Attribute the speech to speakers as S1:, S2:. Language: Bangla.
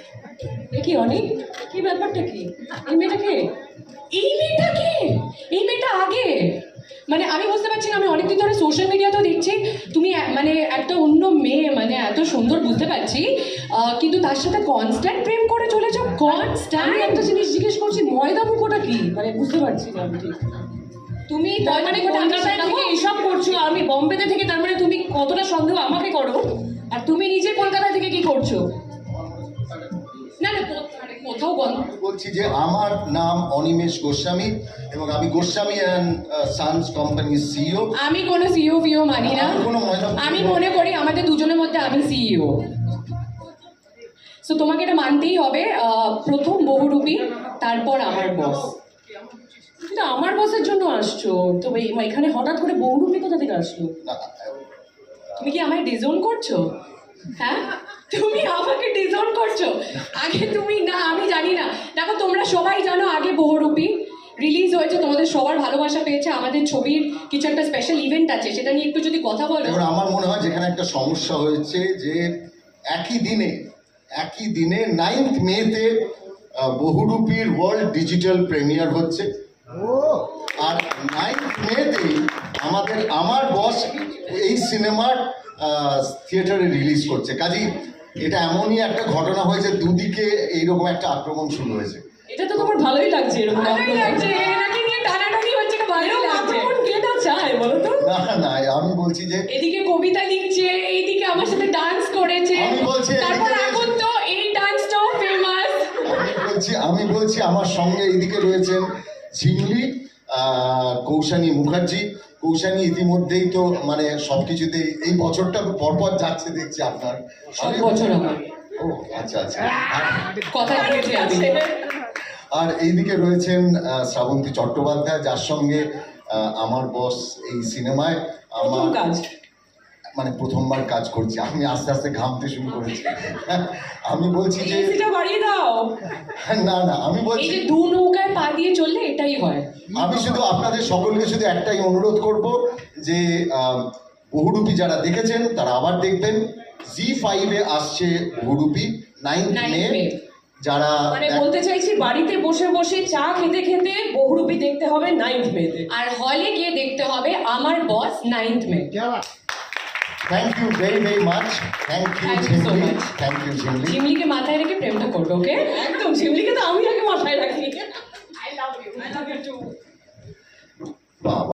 S1: কি অনেক কি ব্যাপারটা কি? এই মেয়েটাকে এই মেয়েটা আগে মানে আমি বুঝতে পারছি না। আমি অনেকদিন ধরে সোশ্যাল মিডিয়াতেও দেখছি তুমি মানে একটা অন্য মেয়ে মানে এত সুন্দর বুঝতে পারছি, কিন্তু তার সাথে কনস্ট্যান্ট প্রেম করে চলেছ। কনস্ট্যান্ট একটা জিনিস জিজ্ঞেস করছি, ময়দা মুখোটা কি মানে বুঝতে পারছি না আমি ঠিক। তুমি তার মানে কলকাতায় থেকে এসব করছো, আমি বম্বেতে থেকে, তার মানে তুমি কতটা সন্দেহ আমাকে করো? আর তুমি নিজে কলকাতা থেকে কি করছো? না না কোথাও
S2: বলছি যে আমার নাম অনিমেষ গোস্বামী এবং আমি গোস্বামী অ্যান্ড সানস কোম্পানির সিইও।
S1: আমি কোনো সিইও ফিও মানি না। আমি মনে করি আমাদের দুজনের মধ্যে আমি সিইও। সো তোমাকে এটা মানতেই হবে, প্রথম বহুরূপী, তারপর আমার বস। কিন্তু আমার বসের জন্য আসছো তো এখানে হঠাৎ করে বহুরূপী কোথা থেকে আসলো? তুমি কি আমায় ডিজোন করছো? হ্যাঁ তুমি আমাকে ডিজোন করছো। আগে তুমি না আমি জানি না। দেখো তোমরা সবাই জানো আগে বহুরূপী রিলিজ হয়েছে, তোমাদের সবার ভালোবাসা পেয়েছে। আমাদের ছবির কিছু একটা স্পেশাল ইভেন্ট আছে, সেটা নিয়ে একটু যদি কথা বলো।
S2: এবার আমার মনে হয় যেখানে একটা সমস্যা হয়েছে যে একই দিনে 9th মেতে বহুরূপীর ওয়ার্ল্ড ডিজিটাল প্রিমিয়ার হচ্ছে, আর 9th মেতেই আমার বস এই সিনেমার থিয়েটারে রিলিজ করছে। কাজেই এটা এমনই একটা ঘটনা হয়েছে, দুদিকে এইরকম একটা আক্রমণ শুরু হয়েছে।
S1: এটা তো তোমার ভালোই লাগছে, এরকম ভালোই লাগছে, এনাকে নিয়ে টানাটানি হচ্ছে, এটা ভালোই লাগছে। কোন কেটা চায় বলো তো?
S2: না না আমি বলছি যে
S1: এদিকে কবিতা লিখছে, এইদিকে আমার সাথে ডান্স করেছে,
S2: আমি বলছি
S1: তারপর এখন তো এই ডান্সটাও ফেমাস।
S2: আমি বলছি আমার সঙ্গে এইদিকে রয়েছেন ঝিমলি, কৌশানী মুখার্জি। কৌশানী ইতিমধ্যেই তো মানে সবকিছুতেই এই বছরটা পরপর যাচ্ছে দেখছি আপনার।
S1: সব বছর আমার।
S2: ও আচ্ছা আচ্ছা।
S1: কথা বলছি আমি।
S2: আর এইদিকে রয়েছেন শ্রাবন্তী চট্টোপাধ্যায়, যার সঙ্গে আমার বস এই সিনেমায় আমার
S1: কাজ
S2: মানে প্রথমবার কাজ করছি। আমি আস্তে আস্তে ঘামতে শুরু করেছি। আমি বলছি যে
S1: এসিটা বাড়িয়ে দাও।
S2: না না আমি বলছি
S1: এই যে দু নৌকায় পা দিয়ে চললে এটাই হয়।
S2: আমি শুধু আপনাদের সকলকে শুধু একটাই অনুরোধ করব যে বহুরূপী যারা দেখেছেন তারা আবার দেখবেন। জি5-এ আসছে বহুরূপী 9th মে। যারা
S1: মানে বলতে চাইছি বাড়িতে বসে বসে চা খেতে খেতে বহুরূপী দেখতে হবে 9th মেতে, আর হলে গিয়ে দেখতে হবে আমার boss 9th May.
S2: Thank you very very much. Thank you Jhimli. Thank you Jhimli.
S1: ঝিমলিকে মাথায় রেখে প্রেমটা করবে, ওকে? একদম, ঝিমলিকে তো আমি আগে মাথায় রাখি। I love you two.